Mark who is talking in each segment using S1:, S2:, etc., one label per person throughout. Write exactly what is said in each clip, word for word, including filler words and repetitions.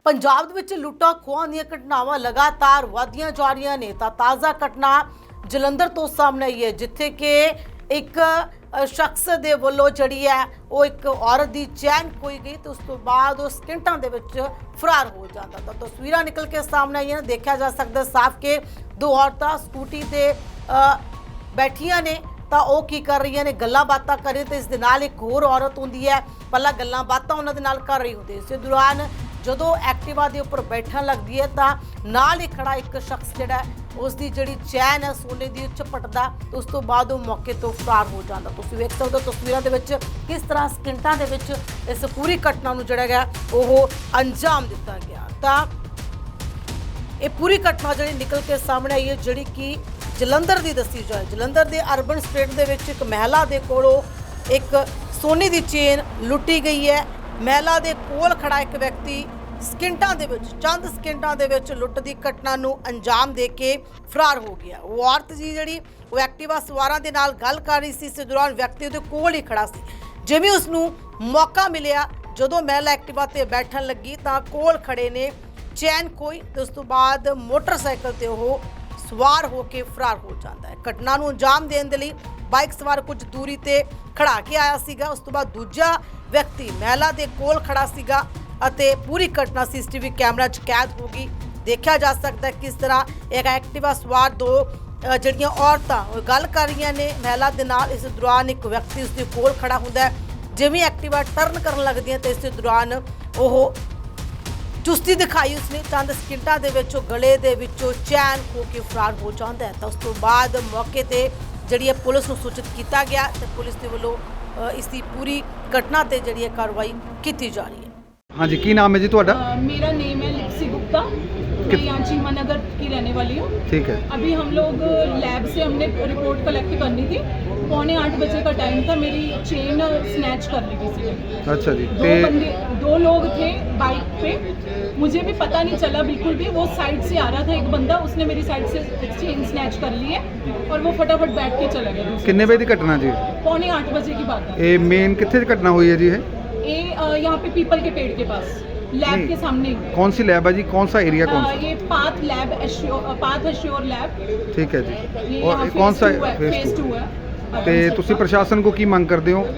S1: ਪੰਜਾਬ ਦੇ ਵਿੱਚ ਲੁੱਟਾਂ ਖੋਹਾਂ ਦੀਆਂ ਘਟਨਾਵਾਂ ਲਗਾਤਾਰ ਵਧਦੀਆਂ ਜਾ ਰਹੀਆਂ ਨੇ ਤਾਂ ਤਾਜ਼ਾ ਘਟਨਾ ਜਲੰਧਰ ਤੋਂ ਸਾਹਮਣੇ ਆਈ ਹੈ, ਜਿੱਥੇ ਕਿ ਇੱਕ ਅ, ਸ਼ਖਸ ਦੇ ਵੱਲੋਂ ਜਿਹੜੀ ਹੈ ਉਹ ਇੱਕ ਔਰਤ ਦੀ ਚੈਨ ਖੋਈ ਗਈ ਤੇ ਉਸ ਤੋਂ ਬਾਅਦ ਉਹ ਸਕਿੰਟਾਂ ਦੇ ਵਿੱਚ ਫਰਾਰ ਹੋ ਜਾਂਦਾ। ਤਾਂ ਤਸਵੀਰਾਂ ਨਿਕਲ ਕੇ ਸਾਹਮਣੇ ਆਈਆਂ ਨੇ, ਦੇਖਿਆ ਜਾ ਸਕਦਾ ਸਾਫ਼ ਕਿ ਦੋ ਔਰਤਾਂ ਸਕੂਟੀ ਤੇ ਅ, ਬੈਠੀਆਂ ਨੇ ਤਾਂ ਉਹ ਕੀ ਕਰ ਰਹੀਆਂ ਨੇ, ਗੱਲਾਂ ਬਾਤਾਂ ਕਰ ਰਹੀਆਂ ਤੇ ਇਸ ਦੇ ਨਾਲ ਇੱਕ ਹੋਰ ਔਰਤ ਹੁੰਦੀ ਹੈ, ਪਹਿਲਾਂ ਗੱਲਾਂ ਬਾਤਾਂ ਉਹਨਾਂ ਦੇ ਨਾਲ ਕਰ ਰਹੀ ਹੁੰਦੀ ਹੈ। ਇਸ ਦੌਰਾਨ ਜਦੋਂ ਐਕਟਿਵਾ ਦੇ ਉੱਪਰ ਬੈਠਣ ਲੱਗਦੀ ਹੈ ਤਾਂ ਨਾਲ ਹੀ ਖੜਾ ਇੱਕ ਸ਼ਖਸ ਜਿਹੜਾ ਉਸ ਦੀ ਜਿਹੜੀ ਚੈਨ ਹੈ ਸੋਨੇ ਦੀ ਝਪਟਦਾ ਤੇ ਉਸ ਤੋਂ ਬਾਅਦ ਉਹ ਮੌਕੇ ਤੋਂ ਫਰਾਰ ਹੋ ਜਾਂਦਾ। ਤੁਸੀਂ ਵੇਖ ਸਕਦੇ ਹੋ ਤਸਵੀਰਾਂ ਦੇ ਵਿੱਚ ਕਿਸ ਤਰ੍ਹਾਂ ਸਕਿੰਟਾਂ ਦੇ ਵਿੱਚ ਇਸ ਪੂਰੀ ਘਟਨਾ ਨੂੰ ਜਿਹੜਾ ਗਿਆ ਉਹ ਅੰਜਾਮ ਦਿੱਤਾ ਗਿਆ। ਤਾਂ ਇਹ ਪੂਰੀ ਘਟਨਾ ਜਿਹੜੀ ਨਿਕਲ ਕੇ ਸਾਹਮਣੇ ਆਈ ਹੈ, ਜਿਹੜੀ ਕਿ ਜਲੰਧਰ ਦੀ ਦੱਸੀ ਜਾਏ। ਜਲੰਧਰ ਦੇ ਅਰਬਨ ਸਟੇਟ ਦੇ ਵਿੱਚ ਇੱਕ ਮਹਿਲਾ ਦੇ ਕੋਲੋਂ ਇੱਕ ਸੋਨੇ ਦੀ ਚੇਨ ਲੁੱਟੀ ਗਈ ਹੈ। ਮਹਿਲਾ ਦੇ ਕੋਲ ਖੜਾ ਇੱਕ ਵਿਅਕਤੀ ਸਕਿੰਟਾਂ ਦੇ ਵਿੱਚ ਚੰਦ ਸਕਿੰਟਾਂ ਦੇ ਵਿੱਚ ਲੁੱਟ ਦੀ ਘਟਨਾ ਨੂੰ ਅੰਜਾਮ ਦੇ ਕੇ ਫਰਾਰ ਹੋ ਗਿਆ। ਉਹ ਔਰਤ ਜੀ ਜਿਹੜੀ ਉਹ ਐਕਟਿਵਾ ਸਵਾਰਾਂ ਦੇ ਨਾਲ ਗੱਲ ਕਰ ਰਹੀ ਸੀ, ਇਸ ਦੌਰਾਨ ਵਿਅਕਤੀ ਉਹਦੇ ਕੋਲ ਹੀ ਖੜਾ ਸੀ। ਜਿਵੇਂ ਉਸ ਨੂੰ ਮੌਕਾ ਮਿਲਿਆ, ਜਦੋਂ ਮਹਿਲਾ ਐਕਟਿਵਾ ਤੇ ਬੈਠਣ ਲੱਗੀ ਤਾਂ ਕੋਲ ਖੜੇ ਨੇ ਚੈਨ ਖੋਈ ਤੇ ਉਸ ਤੋਂ ਬਾਅਦ ਮੋਟਰਸਾਈਕਲ ਤੇ ਉਹ ਸਵਾਰ ਹੋ ਕੇ ਫਰਾਰ ਹੋ ਜਾਂਦਾ ਹੈ। ਘਟਨਾ ਨੂੰ ਅੰਜਾਮ ਦੇਣ ਦੇ ਲਈ ਬਾਈਕ ਸਵਾਰ ਕੁਝ ਦੂਰੀ ਤੇ ਖੜਾ ਕੇ ਆਇਆ ਸੀਗਾ। ਉਸ ਤੋਂ ਬਾਅਦ ਦੂਜਾ ਵਿਅਕਤੀ ਮਹਿਲਾ ਦੇ ਕੋਲ ਖੜਾ ਸੀਗਾ ਅਤੇ ਪੂਰੀ ਘਟਨਾ ਸੀਸੀਟੀਵੀ ਕੈਮਰਾ 'ਚ ਕੈਦ ਹੋ ਗਈ। ਦੇਖਿਆ ਜਾ ਸਕਦਾ ਕਿਸ ਤਰ੍ਹਾਂ ਇੱਕ ਐਕਟਿਵਾ ਸਵਾਰ ਦੋ ਅ, ਜਿਹੜੀਆਂ ਔਰਤਾਂ ਉਹ ਗੱਲ ਕਰ ਰਹੀਆਂ ਨੇ ਮਹਿਲਾ ਦੇ ਨਾਲ। ਇਸ ਦੌਰਾਨ ਇੱਕ ਵਿਅਕਤੀ ਉਸ ਦੇ ਕੋਲ ਖੜਾ ਹੁੰਦਾ ਹੈ। ਜਿਵੇਂ ਐਕਟਿਵਾ ਟਰਨ ਕਰਨ ਲੱਗਦੀਆਂ ਤੇ ਇਸ ਦੇ ਦੌਰਾਨ ਉਹ ਚੁਸਤੀ ਦਿਖਾਈ ਉਸਨੇ, ਚੰਦ ਸਕਿੰਟਾਂ ਦੇ ਵਿੱਚ ਉਹ ਗਲੇ ਦੇ ਵਿੱਚੋਂ ਚੈਨ ਖੋ ਕੇ ਫਰਾਰ ਹੋ ਜਾਂਦਾ ਹੈ। ਤਾਂ ਉਸ ਤੋਂ ਬਾਅਦ ਮੌਕੇ ਤੇ ਜਿਹੜੀ ਹੈ ਪੁਲਿਸ ਨੂੰ ਸੂਚਿਤ ਕੀਤਾ ਗਿਆ ਤੇ ਪੁਲਿਸ ਦੇ ਵੱਲੋਂ ਅ, ਇਸ ਦੀ ਪੂਰੀ ਘਟਨਾ ਤੇ ਜਿਹੜੀ ਹੈ ਕਾਰਵਾਈ ਕੀਤੀ ਜਾ ਰਹੀ ਹੈ।
S2: हाँ जी, की नाम है जी ਤੁਹਾਡਾ?
S3: अ, मेरा नेम है लिप्सी गुप्ता। मैं यहाँ चीमा नगर की रहने वाली हूँ।
S2: ठीक है।
S3: अभी हम लोग लैब से हमने रिपोर्ट कलेक्ट करनी थी। पौने आठ बजे का टाइम था, मेरी चेन स्नैच कर ली किसी ने।
S2: अच्छा जी।
S3: दो बंदे दो लोग थे बाइक पे, मुझे भी पता नहीं चला बिल्कुल भी। वो साइड से आ रहा था एक बंदा, उसने मेरी साइड से चेन स्नैच कर ली है और वो फटाफट बैठ के चला गया।
S2: कितने बजे की घटना जी?
S3: पौने आठ बजे की बात है।
S2: ये मेन कितने घटना हुई है जी? है
S3: ये अ, यहाँ पे पीपल के पेड़ के पास लैब
S2: नहीं।
S3: के सामने।
S2: कौन सी लैब है जी? कौन सा एरिया? कौन
S3: अ,
S2: सा?
S3: ये path lab assure path assure lab.
S2: ठीक है जी।
S3: ये
S2: और
S3: यहाँ
S2: ये कौन सा
S3: फेज
S2: फेज
S3: टू
S2: टू?
S3: है।
S2: ਤੇ ਤੁਸੀਂ ਪ੍ਰਸ਼ਾਸਨ को की मांग करते हो?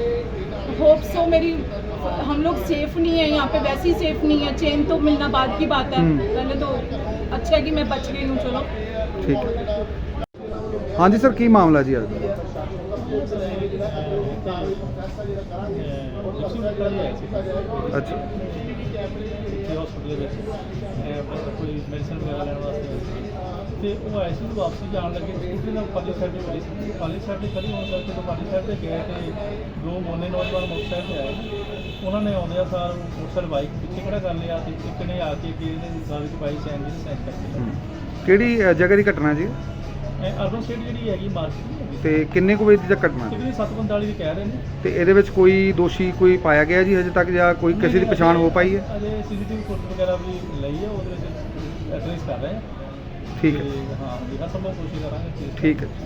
S3: होप सो मेरी हम लोग सेफ नहीं है यहाँ पे, वैसे ही सेफ नहीं है। चेन तो मिलना बाद की बात है, पहले तो अच्छा है कि मैं बच गई हूँ। चलो
S2: ठीक है। हाँ जी सर, की मामला जी आज? अच्छा।
S4: ਹਸਪੀਟਲ ਵਿੱਚ ਕੋਈ ਮੈਡੀਸਨ ਵਗੈਰਾ ਲੈਣ ਵਾਸਤੇ ਤੇ ਉਹ ਆਏ ਸੀ। ਵਾਪਸੀ ਜਾਣ ਲੱਗੇ ਸਕੂਟਰੀ ਨਾਲ ਪਾਲੀ ਸਾਈਡ ਤੇ ਖੜੀ ਸੀ। ਪਾਲੀ ਸਾਈਡ ਤੇ ਖੜੀ ਹੋਣ ਕਰਕੇ ਜਦੋਂ ਪਾਲੀ ਸਾਈਡ ਤੇ ਗਏ ਤੇ ਦੋ ਮੋਨੇ ਨੌਜਵਾਨ ਮੋਟਰਸਾਈਕਲ ਤੇ ਆਏ। ਉਹਨਾਂ ਨੇ ਆਉਂਦਿਆਂ ਸਾਰ ਮੋਟਰਸਾਈਕਲ ਬਾਈਕ ਪਿੱਛੇ ਖੜਾ ਕਰ ਲਿਆ ਤੇ ਇੱਕ ਨੇ ਆ ਕੇ ਅੱਗੇ ਇਹਨੇ ਗਾੜੀ 'ਚ ਪਾਈ ਚੈਨ ਦੀ ਸੈਂਚ ਕਰਕੇ।
S2: ਕਿਹੜੀ ਅ, ਜਗ੍ਹਾ ਦੀ ਘਟਨਾ ਜੀ?
S4: ਇਹ ਅਰਬਨ ਸਟੇਟ ਜਿਹੜੀ ਹੈਗੀ ਮਾਰਕੀਟ
S2: ਤੇ ਕਿੰਨੇ ਕੁ ਵਜੇ ਦੀ ਘਟਨਾ?
S4: ਇਹਦੀ ਸੱਤ ਪੰਤਾਲੀ ਦੀ ਕਹਿ ਰਹੇ ਨੇ।
S2: ਤੇ ਇਹਦੇ ਵਿੱਚ ਕੋਈ ਦੋਸ਼ੀ ਕੋਈ ਪਾਇਆ ਗਿਆ ਜੀ ਹਜੇ ਤੱਕ, ਜਾਂ ਕੋਈ ਕਿਸੇ ਦੀ ਪਛਾਣ ਹੋ ਪਾਈ ਹੈ?
S4: ਅਜੇ ਸੀਸੀਟੀਵੀ ਫੁਟੇਜ ਵਗੈਰਾ ਵੀ ਲਈ ਹੈ, ਉਹਦੇ ਵਿੱਚ ਐਡਰੈਸ ਕਰ ਰਹੇ ਹਾਂ।
S2: ਠੀਕ ਹੈ।
S4: ਤੇ ਹਾਂ ਜਿਹੜਾ ਸੰਭਵ ਕੋਸ਼ਿਸ਼ ਕਰਾਂਗੇ।
S2: ਠੀਕ ਹੈ।